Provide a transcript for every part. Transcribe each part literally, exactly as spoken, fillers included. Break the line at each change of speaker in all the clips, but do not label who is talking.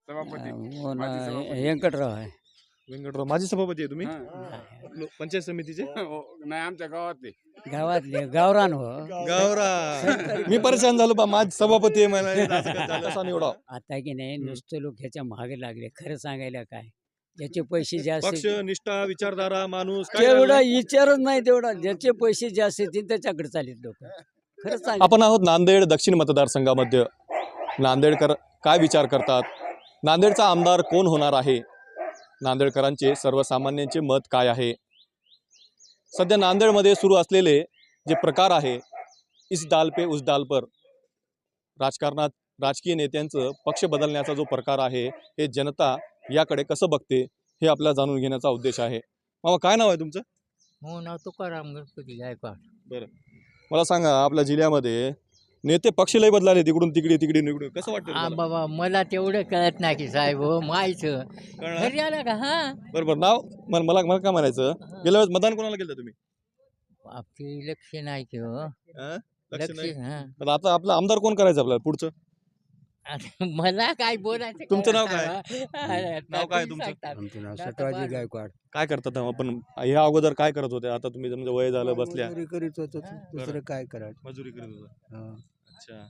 सभापती
हो ना,
माजी सभापती.
व्यंकटराव आहे.
व्यंकटराव माजी सभापती आहे तुम्ही
हां.
लो- पंचायत समितीचे
हो, नाही आमच्या गावातले.
गावातले गावरान हो.
गावरा मी परेशान झालो बा माझ सभापती आहे मला असं कसं झालं? कसा निवडा
आता की नाही
हम्म.
नुसतं लोक ह्याच्या मागे लागले. खरं सांगायला काय, ज्याचे पैसे जास्त
पक्ष
येतील-
निष्ठा विचारधारा माणूस काय
तेवढा
झालं?
विचारच नाही तेवढा. ज्याचे पैसे जास्त येतील त्याच्याकडे चालेल लोक. खरं सांग.
आपण आहोत नांदेड दक्षिण मतदारसंघामध्ये. नांदेडकर काय विचार करतात, नांदेडचा आमदार कोण होणार आहे, नांदेडकरांचे सर्वसामान्यांचे मत काय आहे. सध्या नांदेडमध्ये सुरू असलेले जे प्रकार आहे, इस डाल पे उस डाल पर, राजकारणात राजकीय नेत्यांचं पक्ष बदलण्याचा जो प्रकार आहे, हे जनता याकडे कसं बघते हे आपल्याला जाणून घेण्याचा उद्देश आहे. मामा काय नाव आहे तुमचं?
हो नाव तुकाराम गणपती गायकवाड.
मला सांगा, आपल्या जिल्ह्यामध्ये नेते पक्ष लय बदलाले, तिकडून तिकडे तिकडे निकडून, कसं वाटतं
हा
तुम्हाला?
बाबा मला तेवढं कळत नाही की साहेब हो मायचं
कळणार?
घरी आला का हा
बरोबर नाव मला मला मला काय म्हणायचं, गेल्या वेळेस मतदान कोणाला केलं तुम्ही?
आपली लक्ष नाही की हो
अं? लक्ष
लक्ष
नाही.
हा
तर आता आपला आमदार कोण करायचं आपल्याला पुढचं?
आता मला काय बोलायचं
तुमचं नाव
कळत
काय?
नाही बा. अरे,
नाव काय
तुम्ही
तुमचं?
सांगता.
आमचं नाव
आता
सटवाजी
बाळ-
गायकवाड.
काय करतात आपण ह्या अगोदर काय करत होते? आता तुम्ही तुमचं वय झालं बसल्या
मजुरी करीत होतो. दुसरं काय करायचं.
मजुरी करत होता.
हा.
अच्छा,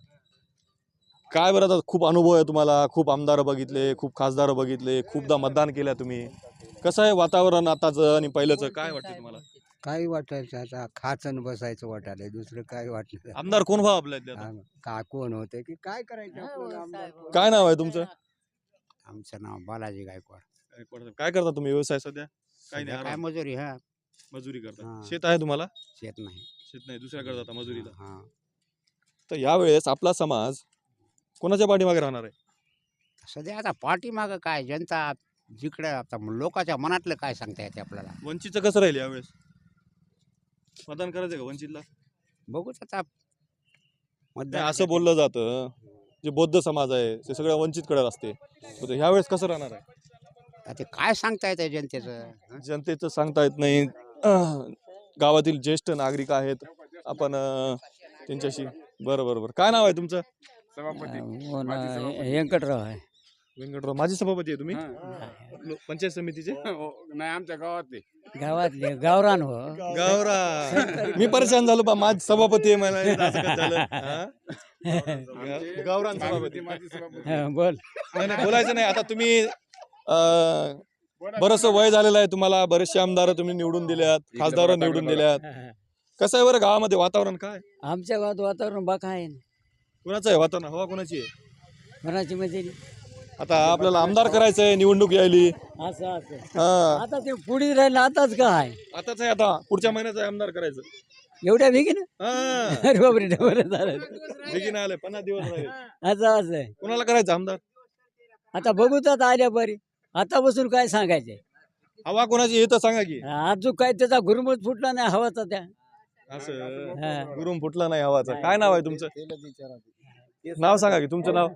काय बरं, आता खूप अनुभव आहे तुम्हाला, खूप आमदार बघितले, खूप खासदार बघितले, खूपदा मतदान केलं तुम्ही. कसं आहे वातावरण आताचं आणि पहिल्याचं, काय वाटतं तुम्हाला?
काही वाटायचं आता खाचन बसायचं वाटायला. दुसरं काय वाटलं.
आमदार कोण व्हा आपल्या इथले आता?
हा, का कोण होते की काय करायचं
हा,
आपल्याला
हो,
आमदार
साहेब,
कोण?
काय नाव आहे तुमचं?
आमचं नाव बालाजी गायकवाड.
काय करता तुम्ही व्यवसाय सध्या? काही
सध्या
नाही,
काय
आराम.
मजुरी हा
मजुरी करता.
हा.
शेत आहे तुम्हाला?
शेत नाही.
शेत नाही, दुसऱ्याकडे जाता मजुरीला.
हा.
तर यावेळेस आपला समाज कोणाच्या पाठीमागे राहणार आहे?
सध्या आता पाठीमागं काय जनता जिकडे आता लोकांच्या मनातलं काय सांगता येते आपल्याला.
वंचितचं कसं राहील यावेळेस? मतदान करायचं का वंचितला?
बघूच आता
नाही,
मतदान
असं बोललं जातं, जे बौद्ध समाज आहे ते सगळं वंचितकडे असते. तर ह्यावेळेस कसं राहणार आहे?
आता ते काय सांगता येते जनतेचं.
जनतेचं सांगता येत नाही. अं, गावातील ज्येष्ठ नागरिक आहेत आपण, अं, त्यांच्याशी. बरं बरं बरं काय नाव आहे तुमचं?
सभापती
हो ना,
माजी सभापती.
व्यंकटराव आहे.
व्यंकटराव माजी सभापती आहे तुम्ही
हां.
लो- पंचायत समितीचे
हो, नाही आमच्या गावातले.
गावातले गावरान हो.
गावरा मी परेशान झालो बा माझ सभापती आहे मला असं कसं झालं? हा?
आमचे
गावरान
माजी-
सभापती.
माजी सभापती.
हा, बोल.
नाही, नाही, बोलायचं नाही. आता तुम्ही अं, बरंचसं वय झालेलं आहे तुम्हाला, बरेचसे आमदार तुम्ही निवडून दिल्यात, खासदार निवडून दिल्यात. कसं आहे बरं गावामध्ये वातावरण काय?
आमच्या गावात वातावरण बाका आहे.
कुणाचं आहे वातावरण? हवा कुणाची आहे?
कोणाची म्हणजे
आता आपल्याला आमदार करायचंय, निवडणूक यायली.
असं असं
हा,
आता ते पुढे राहिलं आताच काय
आताच आहे, आता पुढच्या महिन्यात आहे आमदार करायचं.
एवढ्या भेगी ना.
हा,
अरे बापरे, बरं झालं.
बेगीन आले, पन्नास दिवस राहिले.
असं असं आहे.
कुणाला करायचं आमदार?
आता बघू तर आता आल्या बरी. आता बसून काय सांगायचंय.
हवा कोणाची हे तर सांगा की.
अजून काय त्याचा गुरुमत फुटला नाही हवाचा त्या.
असं
हा.
गुरुम फुटला नाही हवाचा. काय नाव आहे तुमचं? नाव सांगा की तुमचं नाव.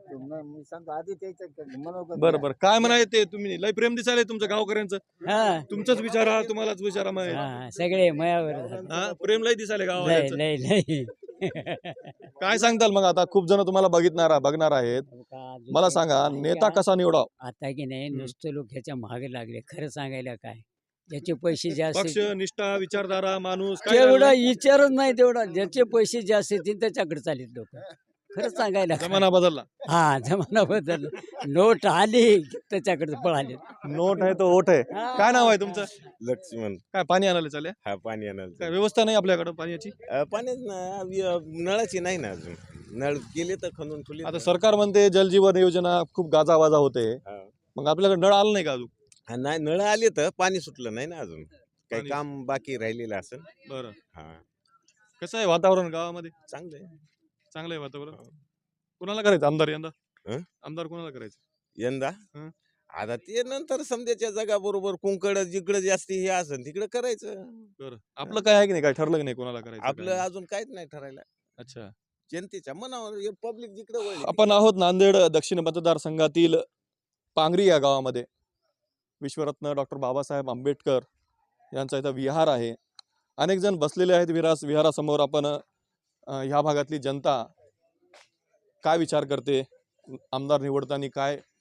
बरं बरं काय म्हणाय ते, तुम्ही लय प्रेम दिसायला तुमचं गावकऱ्यांचं.
हा.
तुमचंच विचारा, तुम्हालाच विचारा माहिती.
हा, सगळे मयावर.
हा, प्रेम लय दिसायला
लय
गावाचं.
लय लय.
काय सांगताल मग? आता खूप जण तुम्हाला बघितणार बघणार आहेत. मला सांगा, नेता कसा निवडाव?
आता की नाही
हम्म.
नुसतं लोक ह्याच्या मागे लागले. खरं सांगायला काय, ज्याचे पैसे जास्त
पक्ष
येतील-
निष्ठा विचारधारा माणूस काय
तेवढा
झालं?
विचारच नाही तेवढा. ज्याचे पैसे जास्त येतील त्याच्याकडे चालेल लोक. खरं सांगायला काय.
जमाना बदलला.
हा, जमाना बदल. नोट आली की त्याच्याकडे पळाले.
नोट आहे तो ओट आहे. काय नाव आहे तुमचं?
लक्ष्मण.
काय पाणी आणायला चालले?
हा पाणी आणायला
काय व्यवस्था नाही आपल्याकडे पाण्याची?
अ, पाण्याच ना वि- नळाची नाही ना अजून. नळ गेले तर खणून ठेवले.
आता सरकार म्हणते जलजीवन योजना खूप गाजावाजा होते.
हा.
मग आपल्याकडे नळ आलं नाही का अजून?
हा, नाही नळ आले तर पाणी सुटलं नाही ना अजून. काही
पाणी-
काम बाकी राहिलेलं असेल.
बरं,
हा
कसं आहे वातावरण गावामध्ये?
चांगलं आहे.
चांगलं आहे वातावरण. कुणाला करायचं आमदार यंदा?
हं?
आमदार कोणाला करायचं?
यंदा
हं.
आता ते नंतर समजाच्या जगा बरोबर कुंकड जिकडं जास्ती हे असेल तिकडं करायचं.
बरं, आपलं काय आहे की नाही, काय ठरलं की नाही कोणाला करायचं?
आपलं
काय?
अजून काहीच नाही ठरायला.
अच्छा,
जनतेच्या मनावर पब्लिक जिकडे वळली
आपण आहोत नांदेड दक्षिण मतदारसंघातील पांगरी या गावामध्ये. विश्वरत्न डॉक्टर बाबासाहेब आंबेडकर यांचा इथं विहार आहे. अनेक जण बसलेले आहेत विहारा विहारासमोर. आपण अं, ह्या भागातली जनता काय विचार करते, आमदार निवडताना काय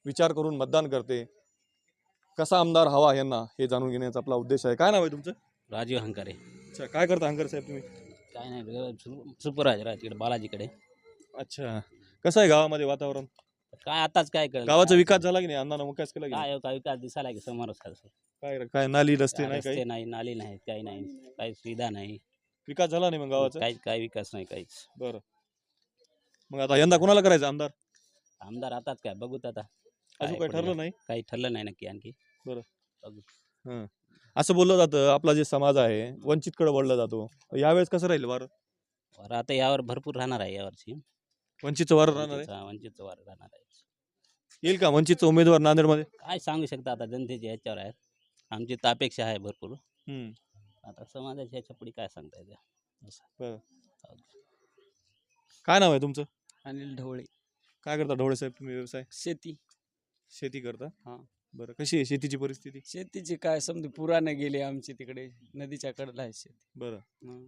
विचार करून मतदान करते. कसा आमदार हवा यांना हे जाणून घेण्याचा आपला उद्देश आहे. काय नाव आहे तुमचं?
राजीव हंकारे.
अच्छा, काय करता हंकर साहेब तुम्ही?
काय नाही सु- सुपरवायझर आहे तिकडे बालाजीकडे.
अच्छा, कसं आहे गावामध्ये वातावरण?
काय आताच काय कळलं
गावाचा विकास झाला की नाही? अण्णांना विकास केला की नाही?
काय काय विकास दिसायला की समोरच आहे.
काय काय नाली रस्ते नाही
रस्ते
काही
नाही, नाली नाही, काही नाही, काही सुविधा नाही,
विकास झाला नाही मग गावाचा?
काही काही विकास नाही काहीच.
बरं, मग आता यंदा कोणाला करायचं आमदार?
आमदार आताच काय बघूत आता.
अजून
काय
काही
पुढे
ठरलं नाही?
काही ठरलं नाही नक्की आणखी.
हं. असं बोललं जातं आपला जे समाज आहे वंचितकडे वळला जातो. यावेळेस कसं राहील वार?
बरं, आता यावर भरपूर राहणार आहे यावर्षी.
वंचितचं वार राहणार आहे?
वंचितचा वंचितचं वार राहणार आहे.
येईल का वंचितचा उमेदवार नांदेडमध्ये?
काय सांगू शकता आता, जनतेच्या ह्याच्यावर आहे. आमची तर अपेक्षा आहे भरपूर.
हम्म.
आता समाजाच्या ह्याच्या पुढे काय सांगता येते असं.
काय नाव आहे तुमचं?
अनिल ढवळे.
काय करता ढवळे साहेब तुम्ही व्यवसाय?
शेती.
शेती करता?
हा.
बरं, कशी आहे शेतीची परिस्थिती?
शेतीची काय समजा पुराने गेले आमची तिकडे नदीच्या कडेला आहे शेती.
बरं,
हं.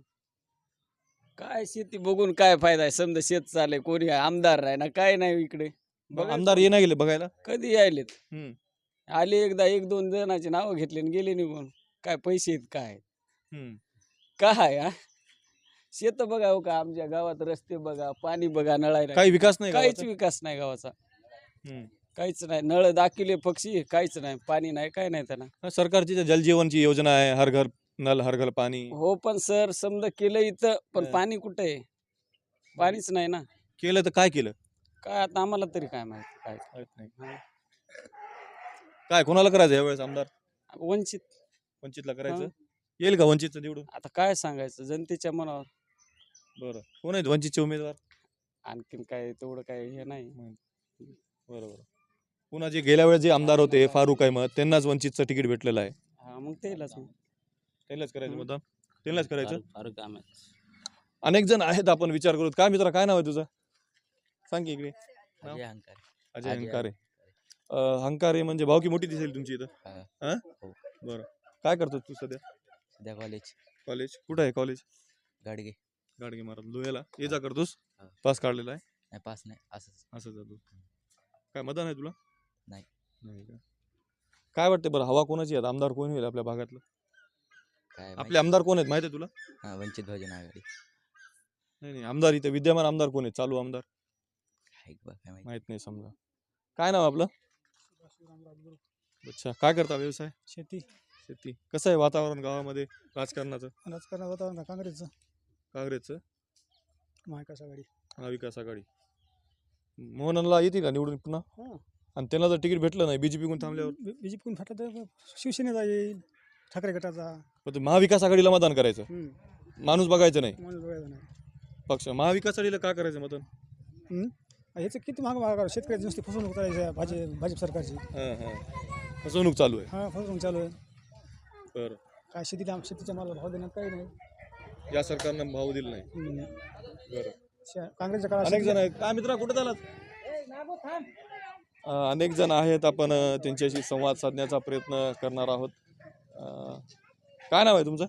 काय शेती बघून काय फायदा आहे? समजा शेत चालय, कोणी आमदार आहे ना काय नाही इकडे.
मग
बघा
आमदार ये ना गेले बघायला?
कधी यायलेत.
हम्म.
आले एकदा एक दोन जणांची नावं घेतली आणि गेले निघून. काय पैसे आहेत काय
हम्म.
काय हा शेत बघा हो का आमच्या गावात रस्ते बघा, पाणी बघा, नळायला
काही विकास नाही
काहीच
गावाचा?
विकास नाही गावाचा.
हम्म.
काहीच नाही. नळ दाखिले पक्षी काहीच नाही, पाणी नाही, काय नाही त्यांना.
हा, सरकारची जी जलजीवनची योजना आहे, हर घर नल हर घर पाणी
हो पण सर समजा केलं इथं पण
हं.
पाणी कुठे आहे? पाणीच नाही ना.
केलं तर काय केलं?
काय आता आम्हाला तरी काय माहिती काय.
माहित नाही. काय कोणाला करायचं यावेळेस आमदार?
वंचित.
वंचितला करायचं?
हं.
येईल का वंचितचं निवडून?
आता काय सांगायचं जनतेच्या मनावर.
बरं, कोण आहेत वंचितचे उमेदवार?
आणखीन काय तेवढं काय हे नाही.
बरोबर. पुन्हा जे गेल्या वेळेस जे आमदार होते फारुख अहमद त्यांनाच वंचितचं तिकीट भेटलेलं आहे.
हा मग तेलाच मग.
त्यांनाच करायचं
हं.
मतदान? त्यांनाच करायचं?
फार- फार काम आहे.
अनेक जण आहेत, आपण विचार करू. काय मित्रा, काय नाव आहे तुझं? सांग की इकडे. नाव?
अजय हंकारे.
अजय
अजय
हंकारे. अं, हंकारे म्हणजे भावकी मोठी दिसेल तुमची इथं.
हा.
हा?
हो.
बरं, काय करतो तू सध्या?
सध्या कॉलेज
कॉलेज कुठं आहे? कॉलेज
गाडगे.
गाडगे महाराज लोह्याला ये जा करतोस?
हा.
पास काढलेला आहे?
नाही पास नाही असंच.
असं जातो. काय मतदान आहे तुला?
नाही.
नाही का? काय वाटतं बरं, हवा कोणाची आहे? आमदार कोण होईल आपल्या भागातलं?
काय
आपले आमदार कोण आहेत माहिती आहे तुला?
हा, वंचित बहुजन आघाडी.
नाही नाही, आमदार इथे विद्यमान आमदार कोण आहेत? चालू आमदार
काय बा, काय माहिती.
माहित नाही समजा. काय नाव आपलं? अच्छा, काय करता व्यवसाय?
शेती.
शेती. कसं आहे वातावरण गावामध्ये राजकारणाचं?
राजकारण वातावरण का काँग्रेसचं
काँग्रेसचं?
महाविकास आघाडी.
महाविकास आघाडी. मोहनला येते का निवडून पुन्हा?
हां.
आणि त्यांना जर तिकीट भेटलं नाही बीजेपी कोण थांबल्यावर?
बीजेपी कोण फाटलं तर शिवसेनेचा येईल, ठाकरे गटाचा.
पण ते महाविकास आघाडीला मतदान करायचं,
हम्म.
माणूस बघायचं नाही,
माणूस बघायचा नाही.
पक्ष. महाविकास आघाडीला का करायचं मतदान?
हम्म. ह्याचं किती महाग महाग शेतकऱ्याची नुसती फसवणूक करायची आहे भाजी भाजप सरकारची.
हां हां, फसवणूक चालू आहे.
हां फसवणूक चालू आहे.
बरं,
काय शेतीला शेतीच्या मालाला भाव देण्यात काही नाही.
या सरकारनं भाव दिला नाही.
हम्म.
बरं,
शे- काँग्रेसच्या काळात
अनेक जण आहेत. काय मित्रा कुठे झालात? अं, अनेक जण आहेत, आपण अं, त्यांच्याशी संवाद साधण्याचा प्रयत्न करणार आहोत. अं, काय नाव आहे तुमचं?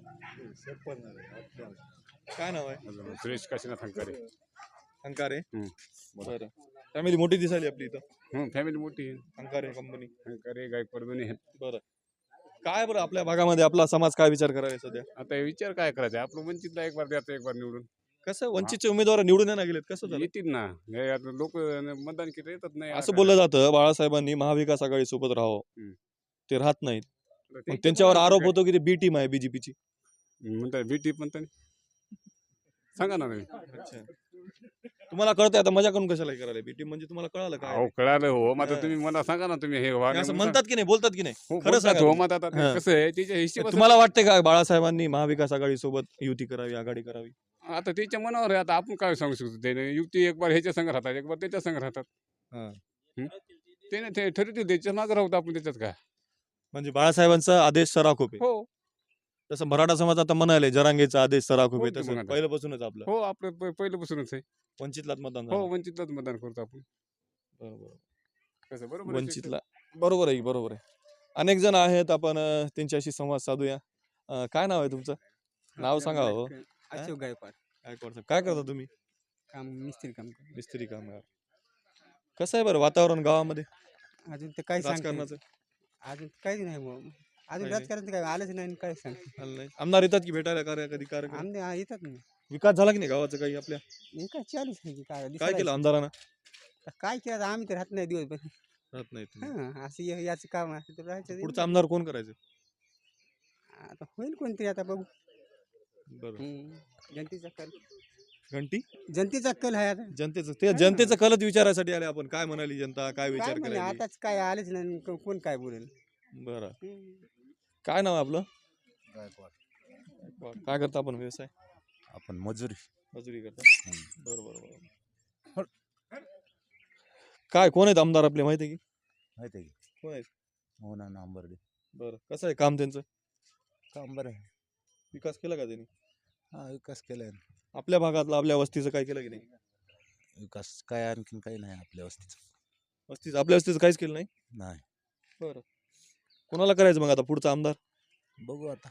काय नाव आहे?
सुरेश काशीनाथ हंकारे.
हंकारे.
हम्म.
बरं, फॅमिली मोठी दिसायली आपली इथं.
हं, फॅमिली मोठी आहे.
हंकारे कंपनी.
हंकारे गायकवाड दोन्ही आहेत.
बरं, काय बरं आपल्या भागामध्ये आपला समाज काय विचार करायला सध्या?
आता हे विचार काय करायचा? आपलं वंचितला एक बार द्यायचं, एक बार निवडून
कसं वंचितचे उमेदवार निवडून येणार गेलेत, कसं झालं?
येतील ना. हे आता लोक मतदान केलं येतात नाही.
असं बोललं जातं बाळासाहेबांनी महाविकास आघाडी सोबत राहावं,
हम्म.
ते राहत नाहीत.
तर
मग
ते-
त्यांच्यावर आरोप होतो की ते बी टीम आहे बीजेपीची.
म्हणतात बीटी पण त्यांनी सांगा ना तुम्ही.
अच्छा, तुम्हाला कळतंय आता मजा करून कशाला करायला? बी टीम म्हणजे तुम्हाला कळालं काय?
अहो कळालं हो. मग आता
हा.
तुम्ही मला सांगा ना तुम्ही हे
हे
वागणं
असं
म्हणून
म्हणतात की नाही, बोलतात की नाही?
हो,
खरं
बोलतात
सांगा
हो.
तुम्ही.
मग आता ते
हा.
कसं आहे त्याच्या हिशोबात
तुम्हाला वाटते का बाळासाहेबांनी महाविकास आघाडी सोबत युती करावी, आघाडी करावी?
आता त्याच्या मनावर आहे. आता आपण काय सांगू शकतो? त्याने युक्ती एक बार ह्याच्या संघ राहतात, एक बार त्याच्या संघ राहतात.
हा.
हं? त्याने ते ठरवते त्याच्या मागे राहतो आपण त्याच्यात काय.
म्हणजे बाळासाहेबांचा आदेश सराखोप आहे.
हो
तसं मराठा समाज आता म्हणाले जरांगेचा आदेश सराखोप
हो
आहे,
की मग
तसं
आता.
पहिल्यापासूनच आपलं
हो आपलं प- पहिल्यापासूनच आहे.
वंचितलाच मतदान
हो
झालं.
वंचितलाच मतदान करतो आपण.
बरोबर.
कसं बरोबर आहे
वंचितला बरोबर आहे, बरोबर आहे. अनेक जण आहेत, आपण अं, त्यांच्याशी संवाद साधूया. अं, काय नाव आहे तुमचं? नाव सांगा हो.
अशोक गायकवाड.
काय करता काय करता तुम्ही?
काम मिस्त्री काम करतो.
मिस्त्री कामगार. कसं आहे बरं वातावरण गावामध्ये?
अजून ते काही सांगते
राजकारणाचं
अजून काहीच नाही मग अजून
काही नाही.
राजकारण काय आलंच नाही आणि काय सांगते
आलं नाही. आमदार येतात की भेटायला कार्य कधी कार्यक्रम
आमने हा, येतात ना
विकास झाला की नाही गावाचा काही आपल्या
हे काय चालूच आहे की काय
काय
दिसायला
केलं आमदारानं
आता काय केलं आता आम्ही तर राहत नाही दिवस
राहत नाही तुम्ही.
हा असं हे- याचं काम असतं तर राहायचं
पुढचा आमदार कोण करायचं
आता होईल कोणतरी आता बघू
बरं
हम्म. जनतेचा कल
घंटी
जनतेचा कल आहे आता
जनतेचं ते जनतेचं कलच विचारायसाठी आले आपण काय म्हणाली जनता काय
काय
विचार
म्हणे
करायला
आताच काय आलेच नाही आणि को- कोण काय बोलेल
बरं
हम्म.
काय नाव आहे आपलं
गायकवाड.
काय करता आपण व्यवसाय
आपण मजुरी
मजुरी करता बरं बरं बरं काय कोण आहेत आमदार आपले माहिती आहे की
माहिती आहे की
कोण आहेत
हो ना नांबर्डे
बरं कसं आहे काम त्यांचं
काम बरं आहे
विकास केला का त्यांनी
हा विकास केलाय ना.
आपल्या भागातलं आपल्या वस्तीचं काय केलं की नाही
विकास काय आणखीन काही नाही आपल्या वस्तीचं
वस्तीचं आपल्या वस्तीचं काहीच केलं नाही
नाही
बरं कोणाला करायचं मग आता पुढचा आमदार
बघू आता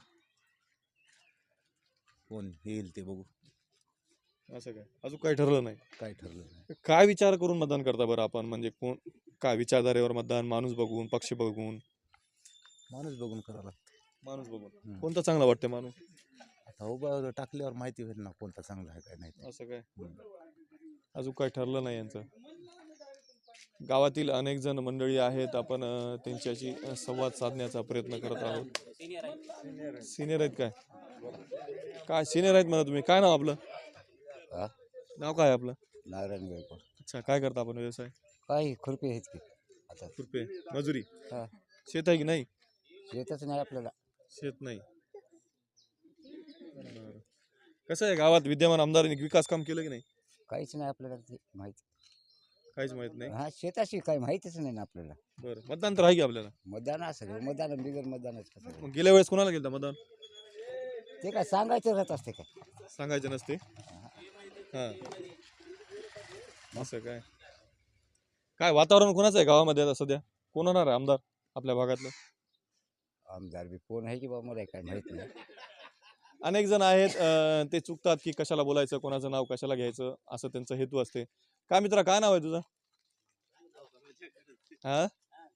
कोण येईल ते बघू
असं काय अजून काही ठरलं नाही
काय ठरलं नाही
काय विचार करून मतदान करता बरं आपण म्हणजे कोण काय विचारधारेवर मतदान माणूस बघून पक्ष बघून
माणूस बघून करावं लागतं
माणूस बघून
हम्म.
कोणता चांगला वाटतं माणूस
आता उभा टाकल्यावर माहिती होईल ना कोणता चांगला आहे काय नाही ते.
असं काय
हम्म.
अजून काही ठरलं नाही यांचं गावातील अनेक जण मंडळी आहेत आपण अं, त्यांच्याशी अं, संवाद साधण्याचा प्रयत्न करत आहोत सिनियर आहेत काय काय सिनियर आहेत म्हणा तुम्ही काय नाव आपलं
हा?
नाव काय आहे आपलं
नारायण गायकवाड
अच्छा काय करता आपण व्यवसाय
काय खुरपी आहेत की आता
रुपये मजुरी
हा.
शेत आहे की नाही
येतच नाही आपल्याला
शेत नाही बरं. कसं आहे गावात विद्यमान आमदारांनी विकास काम केलं की नाही
काहीच नाही आपल्याला ते माहिती
काहीच माहित नाही
हा शेताशी काही माहितीच नाही ना आपल्याला
बरं मतदान तर आहे की आपल्याला
मतदान असं मतदान बिगर मतदानच कसं
मग गेल्या वेळेस कोणाला गेलं मतदान
ते काय सांगायचं राहत असते काय
सांगायचं नसते हा असं काय काय वातावरण कोणाचं आहे गावामध्ये आता सध्या कोण होणार आहे आमदार आपल्या भागातलं
आमदार बी कोण आहे की बाबा मला काय माहित नाही
अनेक जण आहेत अं, ते चुकतात की कशाला बोलायचं कोणाचं नाव कशाला घ्यायचं असं त्यांचा हेतू असते काय मित्रा काय नाव आहे तुझं हा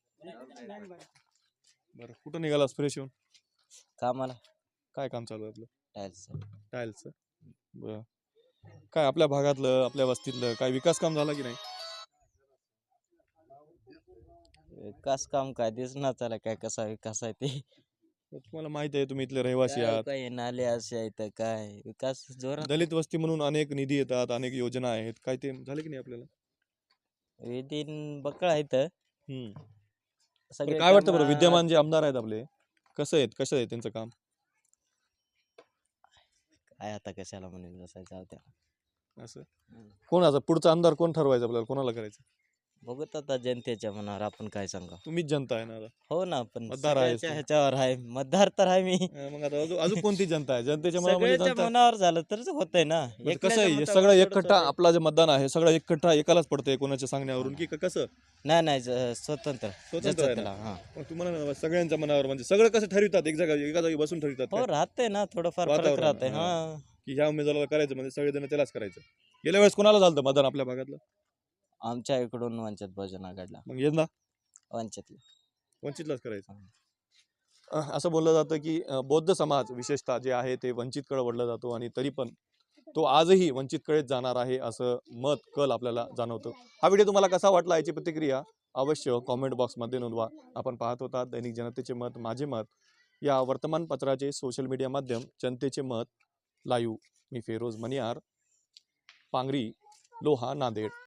बरं कुठं निघालास फ्रेश येऊन
कामाला
काय काम चालू आहे आपलं
टायल्स
टाईलचं बरं काय आपल्या भागातलं आपल्या वस्तीतलं काय विकास काम झाला की नाही
विकास काम काय दिसणार त्याला काय कसा विकास आहे ते
तर तुम्हाला माहिती आहे तुम्ही इथले रहिवासी आहात
काय नाले असे आहेत काय विकास जोरात
दलित वस्ती म्हणून अनेक निधी येतात अनेक योजना आहेत काय ते झाले की नाही आपल्याला
विधीन बकळ आहेत
हम्म.
सगळे
बरं, काय वाटतं बरं
कामं-
विद्यमान जे आमदार आहेत आपले कसं आहेत कसं आहे त्यांचं काम
काय आता कशाला म्हणून बसायचं होत्या
असं कोण असं पुढचा आमदार कोण ठरवायचं आपल्याला कोणाला करायचं
बघत आता जनतेच्या मनावर आपण काय सांगा
तुम्हीच जनता आहे ना आता.
हो ना पण
मतदार आहेस
सगळ्याच्या
तू.
ह्याच्यावर आहे मतदार तर आहे मी
अं, मग आता अजून अजून कोणती जनता आहे जनतेच्या मनामध्ये
सगळ्याच्या
जनता
मनावर झालं तरच होतंय ना
म्हणजे कसं
एकट्याच्या
आहे हे
मतावर
सगळं
थोडंच
एकखट्टा
होतंय.
आपला जे मतदान आहे सगळं एकखट्टा एकालाच पडतंय कोणाच्या सांगण्यावरून की क- कसं
नाही नाही ज- स्वतंत्र
स्वतंत्र
ज्याचं
आहे
त्याला,
ना?
हा.
मग तुम्हाला ना सगळ्यांच्या मनावर म्हणजे सगळं कसं ठरवितात एक जागा एका जागी बसून ठरवितात
हो
काय?
राहते ना थोडंफार फरक
वातावरण,
राहते
हा.
हा
की ह्या उमेदवाराला करायचं म्हणजे सगळेजण त्यालाच करायचं गेल्या वेळेस कोणाला झालं मतदान आपल्या भागातलं
आमच्या इकडून वंचित बहुजन आघाडीला
मग यंदा
वंचित
वंचितलाच करायचं अं, असं बोललं जातं की अं, बौद्ध समाज विशेषतः जे आहे ते वंचितकडे वळला जातो आणि तरी पण तो आजही वंचितकडेच जाणार आहे असं मत कल आपल्याला जाणवतं हा व्हिडिओ तुम्हाला कसा वाटला याची प्रतिक्रिया अवश्य कॉमेंट बॉक्समध्ये नोंदवा आपण पाहत होता दैनिक जनतेचे मत माझे मत या वर्तमानपत्राचे सोशल मीडिया माध्यम जनतेचे मत लाईव्ह मी फेरोज मनियार पांगरी लोहा नांदेड.